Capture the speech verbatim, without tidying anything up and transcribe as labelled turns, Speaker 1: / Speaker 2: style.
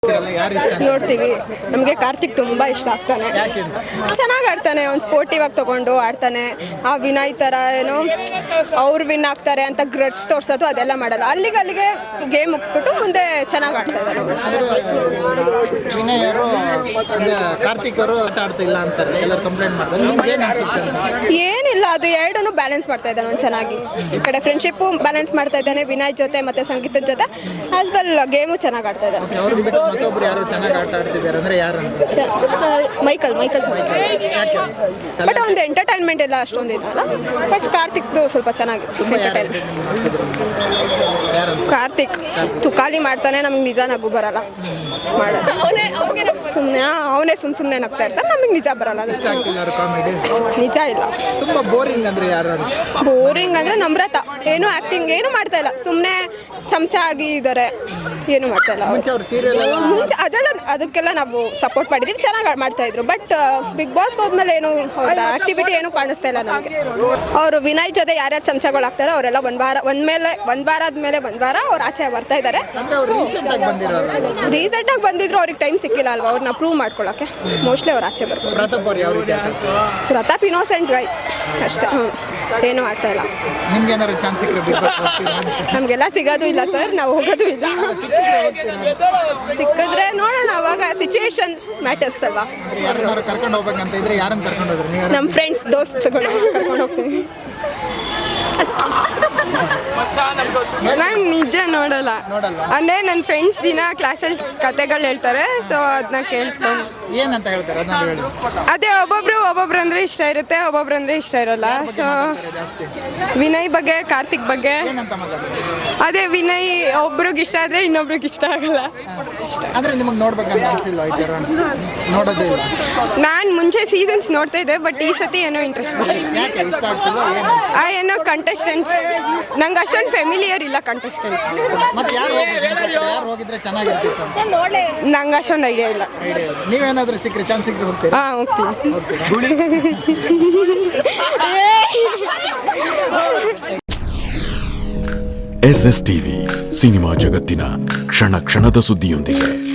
Speaker 1: ಯಾರು ಇಷ್ಟ
Speaker 2: ನೋಡ್ತೀವಿ. ನಮಗೆ ಕಾರ್ತಿಕ್ ತುಂಬ ಇಷ್ಟ ಆಗ್ತಾನೆ. ಚೆನ್ನಾಗಿ ಆಡ್ತಾನೆ, ಅವ್ನು ಸ್ಪೋರ್ಟಿವ್ ಆಗಿ ತೊಗೊಂಡು ಆಡ್ತಾನೆ. ಆ ವಿನಯ್ ಥರ ಏನೋ ಅವ್ರು ವಿನ್ ಆಗ್ತಾರೆ ಅಂತ ಗ್ರಡ್ಸ್ ತೋರಿಸೋದು ಅದೆಲ್ಲ ಮಾಡಲ್ಲ. ಅಲ್ಲಿಗೆ ಅಲ್ಲಿಗೆ ಗೇಮ್ ಮುಗಿಸ್ಬಿಟ್ಟು ಮುಂದೆ ಚೆನ್ನಾಗಿ ಆಡ್ತಾ ಇದ್ದಾರೆ.
Speaker 1: ವಿನಯ್ ಅವರು ಕಾರ್ತಿಕ್ ಅವರು ಆಟ ಆಡ್ತಿಲ್ಲ ಅಂತಾರೆ, ಎಲ್ಲರೂ ಕಂಪ್ಲೇಂಟ್ ಮಾಡ್ತಾರೆ. ನಿಮ್ಗೆ ಏನು ಅನ್ಸುತ್ತೆ?
Speaker 2: ಏನಿಲ್ಲ, ಅದು ಎರಡನ್ನೂ ಬ್ಯಾಲೆನ್ಸ್ ಮಾಡ್ತಾ ಇದ್ದಾನೆ ಅವ್ನು ಚೆನ್ನಾಗಿ. ಈ ಕಡೆ ಫ್ರೆಂಡ್ಶಿಪ್ಪು ಬ್ಯಾಲೆನ್ಸ್ ಮಾಡ್ತಾ ಇದ್ದಾನೆ ವಿನಯ್ ಜೊತೆ ಮತ್ತು ಸಂಗೀತದ ಜೊತೆ, ಆಸ್ ವೆಲ್ ಗೇಮು ಚೆನ್ನಾಗಿ ಆಡ್ತಾ ಇದ್ದಾನೆ.
Speaker 1: ಅವ್ರು ಬಿಟ್ಟು ಮತ್ತೊಬ್ರು ಯಾರು ಚೆನ್ನಾಗಿ ಆಟ ಆಡ್ತಿದ್ದಾರೆ ಅಂದರೆ ಯಾರು?
Speaker 2: ಚ ಮೈಕಲ್ ಮೈಕಲ್ ಚೆನ್ನಾಗಿ, ಬಟ್ ಒಂದು ಎಂಟರ್ಟೈನ್ಮೆಂಟ್ ಎಲ್ಲ ಅಷ್ಟೊಂದು ಇದಲ್ಲ. ಬಟ್ ಕಾರ್ತಿಕ್ದು ಸ್ವಲ್ಪ ಚೆನ್ನಾಗಿ ಎಂಟರ್ಟೈನ್ಮೆಂಟ್. ಕಾರ್ತಿಕ್ ತುಕಾಲಿ ಮಾಡ್ತಾನೆ, ನಮ್ಗೆ ನಿಜ ನಗು ಬರಲ್ಲ ಮಾಡೋದು. ಸುಮ್ಮನೆ ಅವನೇ ಸುಮ್ಮ ಸುಮ್ಮನೆ ನಗ್ತಾ ಇರ್ತಾರೆ, ನಮಗೆ ನಿಜ ಬರಲ್ಲ. ನಿಜ ಇಲ್ಲ.
Speaker 1: ತುಂಬ ಬೋರಿಂಗ್ ಅಂದರೆ ಯಾರು?
Speaker 2: ಬೋರಿಂಗ್ ಅಂದರೆ ನಮ್ರತ ಏನು ಆ್ಯಕ್ಟಿಂಗ್ ಏನು ಮಾಡ್ತಾ ಇಲ್ಲ, ಸುಮ್ಮನೆ ಚಮಚ ಆಗಿ ಇದ್ದಾರೆ, ಏನು ಮಾಡ್ತಾ ಇಲ್ಲ. ಮುಂಚೆ ಅದೆಲ್ಲ ಅದಕ್ಕೆಲ್ಲ ನಾವು ಸಪೋರ್ಟ್ ಮಾಡಿದ್ದೀವಿ, ಚೆನ್ನಾಗಿ ಮಾಡ್ತಾ ಇದ್ರು. ಬಟ್ ಬಿಗ್ ಬಾಸ್ಗೆ ಹೋದ್ಮೇಲೆ ಏನು ಅವ್ರದ್ದು ಆಕ್ಟಿವಿಟಿ ಏನು ಕಾಣಿಸ್ತಾ ಇಲ್ಲ ನಮಗೆ. ಅವರು ವಿನಯ್ ಜೊತೆ ಯಾರ್ಯಾರು ಚಮಚಗಳು ಆಗ್ತಾರೋ ಅವರೆಲ್ಲ ಒಂದು ವಾರ ಒಂದ್ ಮೇಲೆ ಒಂದು ವಾರ ಆದ್ಮೇಲೆ ಒಂದು ವಾರ ಅವ್ರು ಆಚೆ ಬರ್ತಾ ಇದ್ದಾರೆ. ರೀಸೆಂಟಾಗಿ ಬಂದಿದ್ರು, ಅವ್ರಿಗೆ ಟೈಮ್ ಸಿಕ್ಕಿಲ್ಲ ಅಲ್ವಾ ಅವ್ರನ್ನ ಪ್ರೂವ್ ಮಾಡ್ಕೊಳ್ಳೋಕ್ಕೆ. ಮೋಸ್ಟ್ಲಿ ಅವ್ರು ಆಚೆ ಬರ್ಬೋದು. ಪ್ರತಾಪ್ ಇನ್ನೋಸೆಂಟ್ ಗೈ ಅಷ್ಟೇ, ಹ್ಞೂ ಏನು ಮಾಡ್ತಾ ಇಲ್ಲ. ನಮಗೆಲ್ಲ ಸಿಗೋದು ಇಲ್ಲ ಸರ್, ನಾವು ಹೋಗೋದು ಇಲ್ಲ. ಸಿಕ್ಕಿದ್ರೆ ನೋಡೋಣ, ಅವಾಗ ಸಿಚುವೇಶನ್ ಮ್ಯಾಟರ್ಸ್ ಅಲ್ವಾ. ನಮ್ಮ ಫ್ರೆಂಡ್ಸ್ ದೋಸ್ತಗಳು ಕರ್ಕೊಂಡು ಹೋಗ್ತೀವಿ ಅಷ್ಟೇ.
Speaker 3: ನಾನು ನಿಜ ನೋಡಲ್ಲ, ಅಂದರೆ ನನ್ನ ಫ್ರೆಂಡ್ಸ್ ದಿನ ಕ್ಲಾಸಲ್ಲಿ ಕತೆಗಳು ಹೇಳ್ತಾರೆ, ಸೊ ಅದನ್ನ ಕೇಳಿಸ್ಕೊಂಡು
Speaker 1: ಏನಂತ ಹೇಳ್ತಾರೆ
Speaker 3: ಅದೇ ಒಬ್ಬೊಬ್ರು ಒಬ್ಬೊಬ್ರು ಅಂದರೆ ಇಷ್ಟ ಇರುತ್ತೆ, ಒಬ್ಬೊಬ್ರು ಅಂದರೆ ಇಷ್ಟ ಇರಲ್ಲ. ಸೊ ವಿನಯ್ ಬಗ್ಗೆ ಕಾರ್ತಿಕ್ ಬಗ್ಗೆ ಅದೇ ವಿನಯ್ ಒಬ್ರಿಗೆ ಇಷ್ಟ ಆದರೆ ಇನ್ನೊಬ್ರಿಗೆ ಇಷ್ಟ ಆಗಲ್ಲ.
Speaker 1: ಅಂದರೆ ನಿಮಗೆ ನೋಡ್ಬೇಕಂತ ಅನಿಸಿಲ್ಲ ನೋಡೋದೇ ಇಲ್ಲ?
Speaker 3: ನಾನು ಮುಂಚೆ ಸೀಸನ್ಸ್ ನೋಡ್ತಾ ಇದ್ದೆ, ಬಟ್ ಈ ಸತಿ ಏನೋ ಇಂಟ್ರೆಸ್ಟ್ ಬಂದಿಲ್ಲ. ಆ ಏನೋ ಕಂಟೆಸ್ಟೆಂಟ್ಸ್ ನಂಗೆ ಅಷ್ಟೊಂದು ಫೆಮಿಲಿಯರ್ ಇಲ್ಲ ಕಂಟೆಸ್ಟೆಂಟ್ಸ್. ನಂಗೆ ಅಷ್ಟೊಂದು ಐಡಿಯಾ ಇಲ್ಲ.
Speaker 1: ನೀವೇನಾದ್ರೂ ಸಿಕ್ಕರೆ ಚಾನ್ಸ್ ಸಿಕ್ಕರೆ ಹೋಗ್ತೀರಾ?
Speaker 3: ಹಾಂ ಹೋಗ್ತೀನಿ.
Speaker 4: ಎಸ್ ಎಸ್ ಟಿವಿ ಸಿನಿಮಾ ಜಗತ್ತಿನ ಕ್ಷಣ ಕ್ಷಣದ ಸುದ್ದಿಯೊಂದಿಗೆ.